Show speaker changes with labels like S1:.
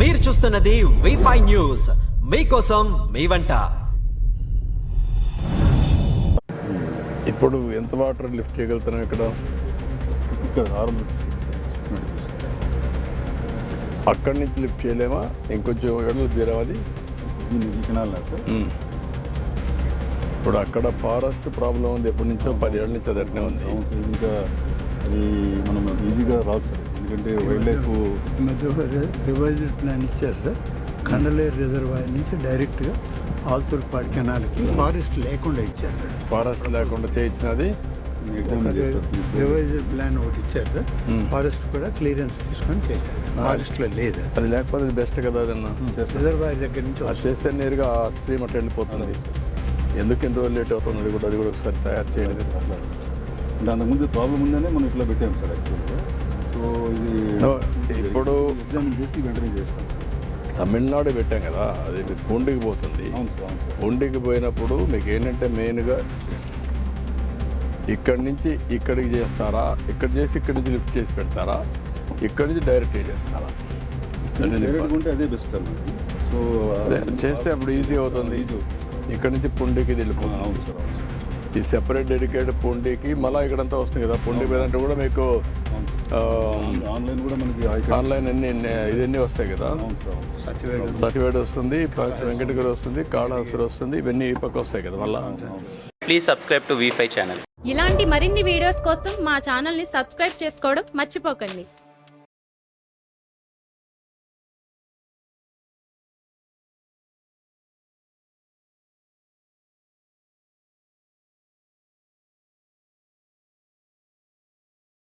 S1: మీరు చూస్తున్నది వి5 న్యూస్, మీకోసం మీ వంట.
S2: ఇప్పుడు ఎంత వాటర్ లిఫ్ట్ చేయగలుగుతున్నాం ఇక్కడ? అక్కడి నుంచి లిఫ్ట్ చేయలేమా? ఇంకొంచెం ఎడలు తీరాలి. ఇప్పుడు అక్కడ ఫారెస్ట్ ప్రాబ్లం ఉంది, ఎప్పటి నుంచో 10 ఏళ్ళ నుంచి అదట్నే ఉంది.
S3: ఇంకా అది మనం ఈజీగా రాదు సార్, ఎందుకంటే వైల్డ్ లైఫ్
S4: మధ్య రివైజ్డ్ ప్లాన్ ఇచ్చారు సార్. కండలేరు రిజర్వాయర్ నుంచి డైరెక్ట్గా ఆల్తూర్పాడు కెనాల్కి ఫారెస్ట్ లేకుండా ఇచ్చారు సార్.
S2: ఫారెస్ట్ లేకుండా చేయించినది
S4: రివైజ్డ్ ప్లాన్ ఒకటి ఇచ్చారు సార్. ఫారెస్ట్ కూడా క్లియరెన్స్ తీసుకొని చేశారు. ఫారెస్ట్లో లేదు
S2: అది, లేకపోతే బెస్ట్ కదా అదన్నా.
S4: రిజర్వాయర్ దగ్గర నుంచి
S2: అది చేస్తే నేరుగా ఆ స్ట్రీమ్ అట్లా వెళ్ళిపోతుంది. ఎందుకు ఇంత రోజులు లేట్ అవుతుంది? అది కూడా ఒకసారి తయారు చేయండి.
S3: దాని ముందు ప్రాబ్లం ఉందనే మనం ఇట్లా పెట్టాము సార్ యాక్చువల్గా. సో ఇది
S2: ఇప్పుడు
S3: ఎగ్జామిన్ చేసి వెంటనే చేస్తాం.
S2: తమిళనాడు పెట్టాం కదా, అది పూండికి పోతుంది.
S3: అవును సార్, అవును సార్.
S2: పూండికి పోయినప్పుడు మీకు ఏంటంటే మెయిన్గా ఇక్కడి నుంచి ఇక్కడికి చేస్తారా, ఇక్కడ చేసి ఇక్కడి నుంచి లిఫ్ట్ చేసి పెడతారా, ఇక్కడి నుంచి డైరెక్ట్ చేస్తారా?
S3: డైరెక్ట్గా ఉంటే అదే బెస్ట్ సార్ మనకి. సో
S2: చేస్తే అప్పుడు ఈజీ అవుతుంది. ఇక్కడ నుంచి పుండికి వెళ్ళిపోతుంది.
S3: అవును సార్, అవును సార్.
S2: ఈ సెపరేట్ డెడికేటెడ్ పుండికి మళ్ళీ ఇక్కడంతా వస్తుంది కదా. పుండి పోయినట్టు కూడా మీకు
S3: ఆన్లైన్ కూడా మనకి
S2: ఆన్లైన్ ఇవన్నీ వస్తాయి కదా. సతివేడు వస్తుంది, వెంకటగిరి వస్తుంది, కాళహస్తి వస్తుంది, ఇవన్నీ ఈ పక్క వస్తాయి కదా మళ్ళీ.
S5: Please subscribe to V five channel.
S6: ఇలాంటి మరిన్ని వీడియోస్ కోసం మా ఛానల్ని సబ్స్క్రైబ్ చేసుకోవడం మర్చిపోకండి.